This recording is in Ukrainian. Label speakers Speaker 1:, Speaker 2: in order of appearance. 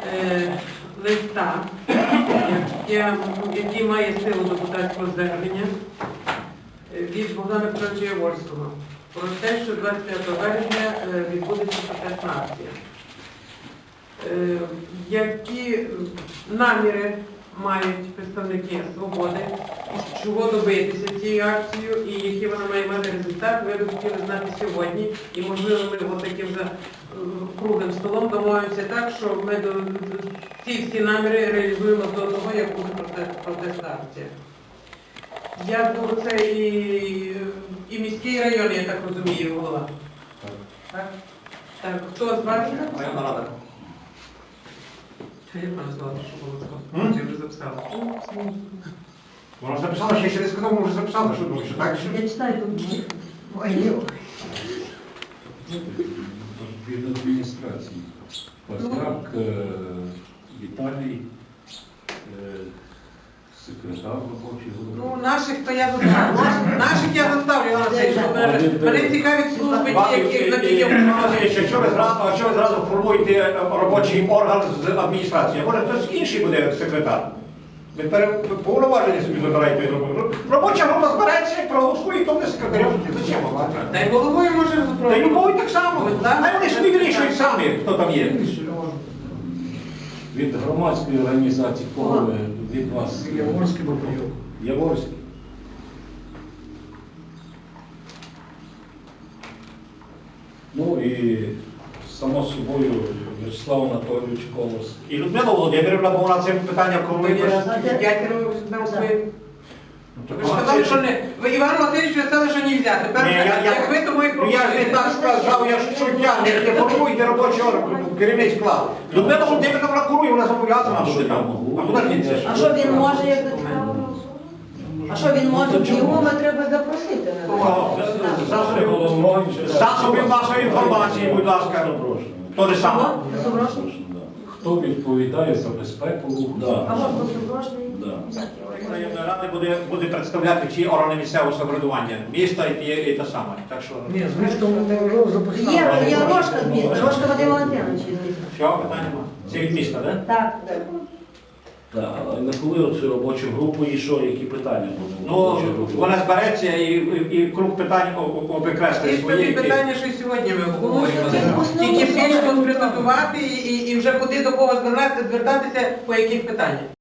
Speaker 1: листа, який має силу депутатського звернення від Богдана Петровича Яворського про те, що 25 березня відбудеться протестна акція. Які наміри мають представники «Свободи», чого добитися цією акцією і який вона має мати результат, ви б хотіли знати сьогодні. І, можливо, ми таким круглим столом домовимося так, що ми ці всі наміри реалізуємо до того, як буде протестна акція. Я думаю, це і міський район, я так розумію, голова. Так? Так, хто з вас?
Speaker 2: Районна рада.
Speaker 1: Я можу сказати, що було сказано. Я вже записала.
Speaker 2: Вона ж написала, ще не сказав, може записала, що думаєш, так?
Speaker 3: Я читаю тут.
Speaker 4: Від адміністрації. Пастрак, Віталій, секретар робочий голова.
Speaker 1: Ну, наших то я заставлю. Наших я заставлю, мене цікавить служби, які
Speaker 2: Що ви зразу формуєте робочий орган з адміністрації? Може хтось інший буде секретар? Ви повноваження собі вибираєте роботу. Робоча група збирається, проголосує, хто буде секретарем. Зачем вам?
Speaker 1: Та й головою може
Speaker 2: Та й
Speaker 1: запровадити.
Speaker 2: любові так само. А вони собі вирішують самі, хто там є.
Speaker 4: Від громадської організації, кого ви, від вас?
Speaker 2: Яворський Бабайов.
Speaker 4: Яворський. Ну і само собою Вячеслав Анатолійович Колос.
Speaker 2: І Людмила Володимирівна, бо вона цим питанням корує.
Speaker 1: П'ятеро на своїм. Ви ж сказали, що не... Ви Івану Васильовичу сказали, що не взяти. Тепер, як ви, тому і
Speaker 2: Ну, я ж не так сказав, я ж суддя, не формуйте робочий орган, керівний склад. Людмила Володимирівна, вона курує, вона зобов'язана бути там. А куди ж він це?
Speaker 3: А що він може, як до цікавого? А що він може? Його ми треба запросити.
Speaker 2: Засоби масової інформації, будь ласка. То же саме.
Speaker 3: Доброшний?
Speaker 4: Хто відповідає за безпеку руху?
Speaker 3: А може бути Доброшний?
Speaker 2: Районна рада буде представляти всі органи місцевого самоврядування, міста і те саме. Так що...
Speaker 3: Є Рожка з міста, Рожка Вадим Валентинович.
Speaker 2: Що, питання нема? Це від міста, так?
Speaker 3: Так.
Speaker 5: Так, а на коли оцю робочу групу і що, які питання будуть?
Speaker 2: Ну, вона збереться і круг питань обекреслить
Speaker 1: Ті
Speaker 2: свої.
Speaker 1: питання, що й сьогодні ми обговорювали. Тільки більш конкретизувати і вже куди до кого звертатися, по яких питаннях.